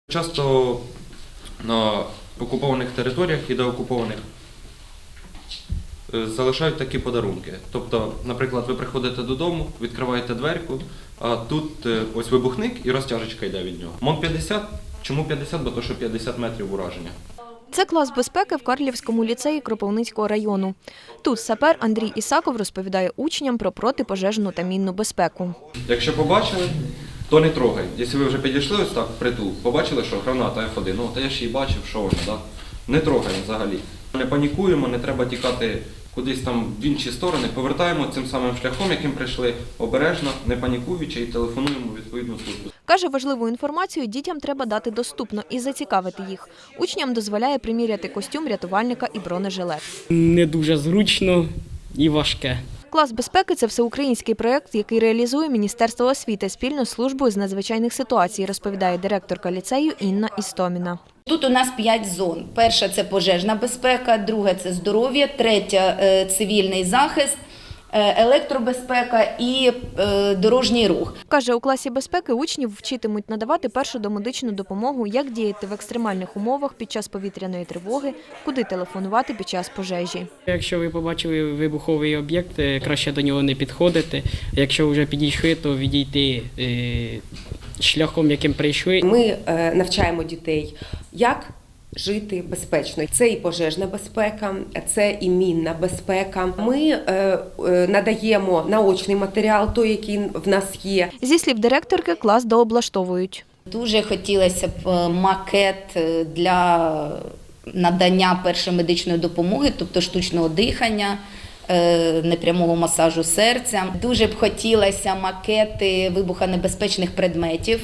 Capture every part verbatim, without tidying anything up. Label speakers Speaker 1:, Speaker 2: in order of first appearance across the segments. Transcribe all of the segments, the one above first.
Speaker 1: Часто на окупованих територіях і деокупованих залишають такі подарунки. Тобто, наприклад, ви приходите додому, відкриваєте дверку, а тут ось вибухник і розтяжечка йде від нього. МОН п'ятдесят. Чому п'ятдесят? Бо то, що п'ятдесят метрів ураження.
Speaker 2: Це клас безпеки в Карлівському ліцеї Кропивницького району. Тут сапер Андрій Ісаков розповідає учням про протипожежну та мінну безпеку.
Speaker 1: Якщо побачили, то не трогай. Якщо ви вже підійшли ось так впритул, побачили, що граната еф один, ну, та я ж її бачив, що вона, так? Не трогаємо взагалі. Не панікуємо, не треба тікати кудись там в інші сторони, повертаємо цим самим шляхом, яким прийшли, обережно, не панікуючи, і телефонуємо у відповідну службу.
Speaker 2: Каже, важливу інформацію дітям треба дати доступно і зацікавити їх. Учням дозволяє приміряти костюм рятувальника і бронежилет.
Speaker 3: Не дуже зручно і важке.
Speaker 2: Клас безпеки – це всеукраїнський проєкт, який реалізує Міністерство освіти спільно з службою з надзвичайних ситуацій, розповідає директорка ліцею Інна Істоміна.
Speaker 4: Тут у нас п'ять зон. Перша – це пожежна безпека, друга – це здоров'я, третя – цивільний захист, електробезпека і дорожній рух.
Speaker 2: Каже, у класі безпеки учнів вчитимуть надавати першу домедичну допомогу, як діяти в екстремальних умовах під час повітряної тривоги, куди телефонувати під час пожежі.
Speaker 3: Якщо ви побачили вибуховий об'єкт, краще до нього не підходити. Якщо вже підійшли, то відійти шляхом, яким прийшли.
Speaker 5: Ми навчаємо дітей, як жити безпечно. Це і пожежна безпека, це і мінна безпека. Ми надаємо наочний матеріал, той, який в нас є.
Speaker 2: Зі слів директорки, клас дооблаштовують.
Speaker 4: Дуже хотілося б макет для надання першої медичної допомоги, тобто штучного дихання, непрямого масажу серця. Дуже б хотілося макети вибухонебезпечних предметів.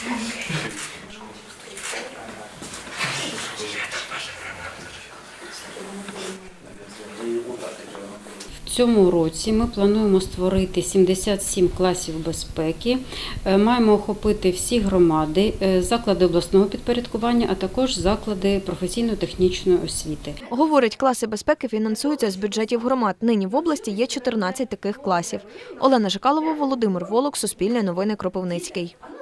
Speaker 6: В цьому році ми плануємо створити сімдесят сім класів безпеки. Маємо охопити всі громади, заклади обласного підпорядкування, а також заклади професійно-технічної освіти.
Speaker 2: Говорить, класи безпеки фінансуються з бюджетів громад. Нині в області є чотирнадцять таких класів. Олена Жикалова, Володимир Волок, Суспільне новини, Кропивницький.